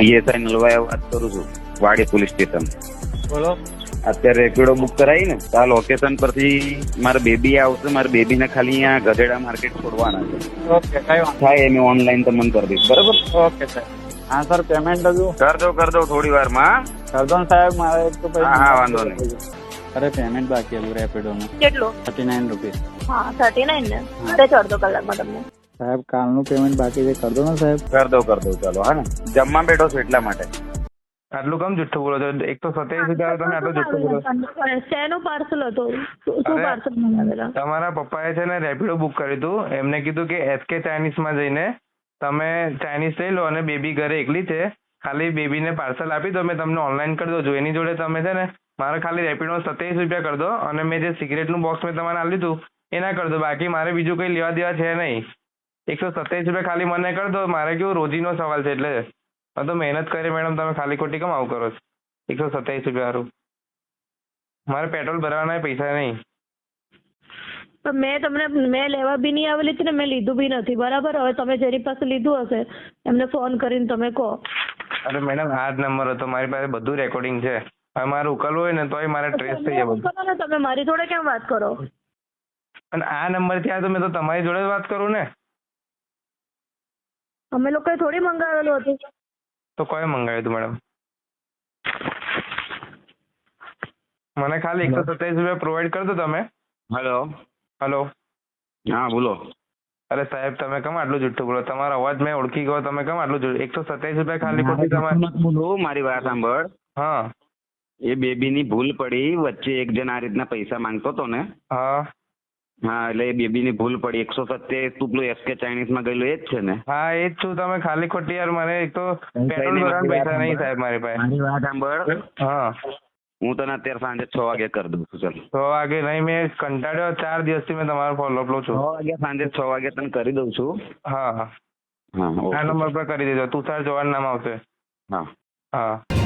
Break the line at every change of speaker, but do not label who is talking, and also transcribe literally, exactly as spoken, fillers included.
PSI નલવાયા વાત કરું છું, વાડી પોલીસ સ્ટેશન.
બોલો.
અત્યારે રેપિડો બુક કરાવી ને તો આ લોકેશન પરથી મારા બેબી આવશે. મારા બેબીને ખાલી અહીંયા ગધેડા માર્કેટ છોડવાના છે.
ઓકે, કઈ વાંધો
થાય એમ ઓનલાઈન તમને કરી દઈશ, બરાબર?
ઓકે સાહેબ. હા સર, પેમેન્ટ હજુ
કર દો કર દો થોડી વારમાં.
કર દો ને સાહેબ, મારે એક તો
હા હા વાંધો નહીં.
અરે પેમેન્ટ બાકી હતું રેપિડોનું
કેટલું?
Thirty nine rupees.
હા થર્ટી નાઇન ને અરે ચાર દો કલાકમાં તમને.
સાહેબ કાલનું પેમેન્ટ બાકી છે, કર દો ને સાહેબ.
કર દો કર દો ચાલો. હા ને જમવા બેઠો છું એટલા માટે.
આટલું કમ જુઠ્ઠું બોલો છો? એક તો સત્યાવીસ હજાર તમે આટલું જુઠ્ઠું બોલો.
શેનું પાર્સલ હતું? શું
અરે,
પાર્સલ મંગાવેલા?
તમારા પપ્પાએ છે ને રેપિડો બુક કર્યું હતું. એમને કીધું કે એસકે ચાઇનીઝમાં જઈને તમે ચાઇનીઝ લઈ લો અને બેબી ઘરે એકલી છે, ખાલી બેબીને પાર્સલ આપી દો, મેં તમને ઓનલાઈન કરી દઉં છું. એની જોડે તમે છે ને મારે ખાલી રેપિડો સત્યાવીસ રૂપિયા કરી દો અને મેં જે સિગરેટનું બોક્સ મેં તમારે આપી દીધું એના કરી દો. બાકી મારે બીજું કંઈ લેવા દેવા છે નહીં. એકસો સત્યાવીસ રૂપિયા ખાલી મને કરી દો. મારે કેવું રોજીનો સવાલ છે એટલે મેં તો મહેનત કરી મેડમ. તમે ખાલી ખોટી કેમ આવું કરો છો? એકસો સત્યાવીસ રૂપિયા સારું મારે પેટ્રોલ ભરવાના પૈસા નહીં.
પણ મેં તમને મેં લેવા બી નહીં આવેલી હતી ને મેં લીધું બી નથી, બરાબર? હવે તમે જેની પાસે લીધું હશે એમને ફોન કરીને તમે કહો.
અરે મેડમ આ જ નંબર હતો મારી પાસે, બધું રેકોર્ડિંગ છે. હવે મારે ઉકલવું હોય ને તોય મારે ટ્રેસ થઈ જાય બધું.
કરો ને તમે, મારી જોડે કેમ વાત કરો?
અને આ નંબર થી આ તો મેં તો તમારી જોડે જ વાત કરું ને.
અમે લોકોએ થોડી મંગાવેલું હતું.
તો કોઈ મંગાવ્યું હતું મેડમ? મને ખાલી એકસો સત્યાવીસ રૂપિયા પ્રોવાઈડ કરી દો તમે.
હેલો.
હલો.
હા બોલો.
અરે સાહેબ તમે કેમ આટલું જુઠ્ઠું બોલો? તમારો અવાજ મેં ઓળખી ગયો, તમે કેમ આટલું જુઠ્ઠું? એકસો સત્યાવીસ રૂપિયા ખાલી ખોટી તમારે.
બોલો, મારી વાત સાંભળ.
હા
એ બેબીની ભૂલ પડી, વચ્ચે એક જણ આ રીતના પૈસા માંગતો હતો ને.
હા
હા એટલે એ બેબીની ભૂલ પડી. એકસો સત્યાવીસ તું પેલું એસકે ચાઇનીઝમાં ગયેલું એ જ છે ને?
હા એ જ છું. તમે ખાલી ખોટી યાર, મને એક તો પેટ્રોલ ભરવાના પૈસા નહીં સાહેબ મારી પાસે.
મારી વાત સાંભળ.
હા
હું તને અત્યારે સાંજે છ વાગે કરી દઉં છું. ચાલ
તો વાગે નહીં, મેં કંટાળ્યો ચાર દિવસથી મેં તમારો ફોલોઅપ લઉં
છ
છું.
વાગે સાંજે છ વાગે તને કરી દઉં છું.
હા હા
હા
આ
ઓકે.
નંબર પર કરી દેજો. તુષાર ચૌહાણ નામ આવશે.
હા
હા